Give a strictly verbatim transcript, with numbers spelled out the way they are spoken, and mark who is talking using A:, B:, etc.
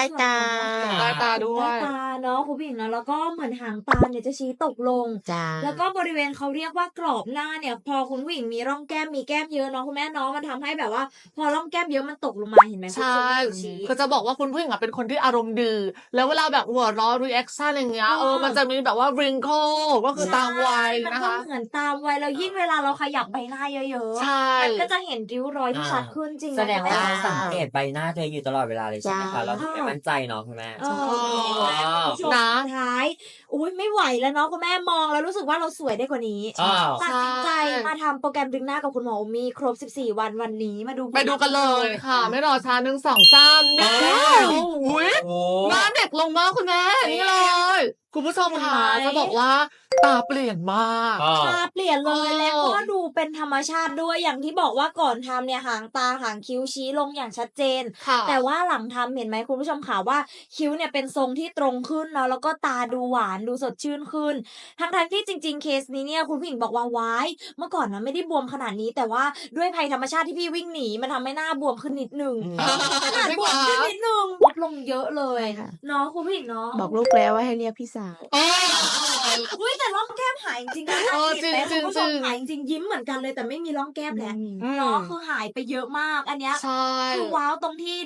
A: ตา
B: ใต้ตาด้ว
C: ใต้
B: ย
C: ตาเนาะคุณผู้หญิงเนาะแล้วก็เหมือนหางตาเนี่ยจะชี้ตกลง
A: จ้ะ
C: แล้วก็บริเวณเขาเรียกว่ากรอบหน้าเนี่ย พอคุณผู้หญิงมีร่องแก้มมีแก้มเยอะเนาะคุณแม่เนาะมันทำให้แบบว่า พอร่องแก้มเยอะมันตกลงมาเห็นไหม
B: ใช่
C: คุณผู้หญิงชี้
B: คือจะบอกว่าคุณผู้หญิงอะเป็นคนที่อารมณ์ดี แล้วเวลาแบบหัวเราะ รีแอกชัน อย่างเงี้ย
C: เออ
B: เออ มันจะมีแบบว่า wrinkle ก็คือตามวัย
C: มัน
B: นะ
C: ก็
B: คะ
C: เหมือนตามวัยแล้วยิ่งเวลาเราขยับใบหน้าเยอะ
B: ใช่
C: ๆ มันก็จะเห็นริ้วรอยที่
D: อา
C: ชัดขึ้นจริง
D: แสดงว่า
C: นะ
D: สังเกตใบหน้าตัวเองอยู่ตลอดเวลาเลยใช่ไหม
A: จ้ะ
D: คะ เราถึงไม่มั่นใจเนาะคุณแม่
C: เออ
B: อ๋อ
C: คุณผู้ชม
B: นะ
C: สุดท้าย อุ๊ย ไม่ไหวแล้วเนาะคุณแม่มองแล้วรู้สึกว่าเราสวยได้กว่านี้
D: อ้าว
C: ตัดสินใจ
B: ใช่
C: มาทำโปรแกรมดึงหน้ากับคุณหมอโอมี่ครบ สิบสี่ วันวันนี้มาดูผล
B: ไปดูกันเลยค่ะ ไม่รอช้า หนึ่ง สอง สาม
D: เอ
B: นี่
D: อ
B: อุ๊ย
D: โอ้
B: หน้าเด็กลงมากคุณแม่ นี่เลย คุณผู้ชมค่ะ
C: เห็นไหม
B: จะบอกว่าตาเปลี่ยนมาก
D: อ้าว
C: ตาเปลี่ยนเลย
B: เออ
C: แล้วก็ดูเป็นธรรมชาติด้วยอย่างที่บอกว่าก่อนทำเนี่ยหางตาหางคิ้วชี้ลงอย่างชัดเจน
B: ค่ะ
C: แต่ว่าหลังทำเห็นไหมคุณผู้ชมค่ะว่าคิ้วเนี่ยเป็นทรงที่ตรงขึ้นเนาะแล้วก็ตาดูหวานดูสดชื่นขึ้น ทั้งๆที่จริง ๆ เคสนี้เนี่ยคุณผู้หญิงบอกว่าว้ายเมื่อก่อนนะไม่ได้บวมขนาดนี้ แต่ว่าด้วยภัยธรรมชาติที่พี่วิ่งหนีมันทำให้หน้าบวมขึ้นนิดหนึ่ง
D: อืม
C: ขนาดบวมขึ้นนิดหนึ่งลดลงเยอะเลย
A: ใช่ค่ะ
C: เนาะคุณผู้หญิงเนาะ
A: บอกลูกแล้วว่าให้เรียกพี่สาว
B: เออ
C: อุ้ยแต่ร่องแก้มหายจริงๆนะ
B: เออ
C: เห็นไหม
B: จริงๆ
C: คุณผู้ชม
B: จริงๆ
C: หายจริงๆยิ้มเหมือนกันเลยแต่ไม่มีร่องแก้มแล้ว
A: อืม
B: อืม
C: เนาะคือหายไปเยอะมากอันเนี้ย
B: ใช่
C: คือว้าวตรงที่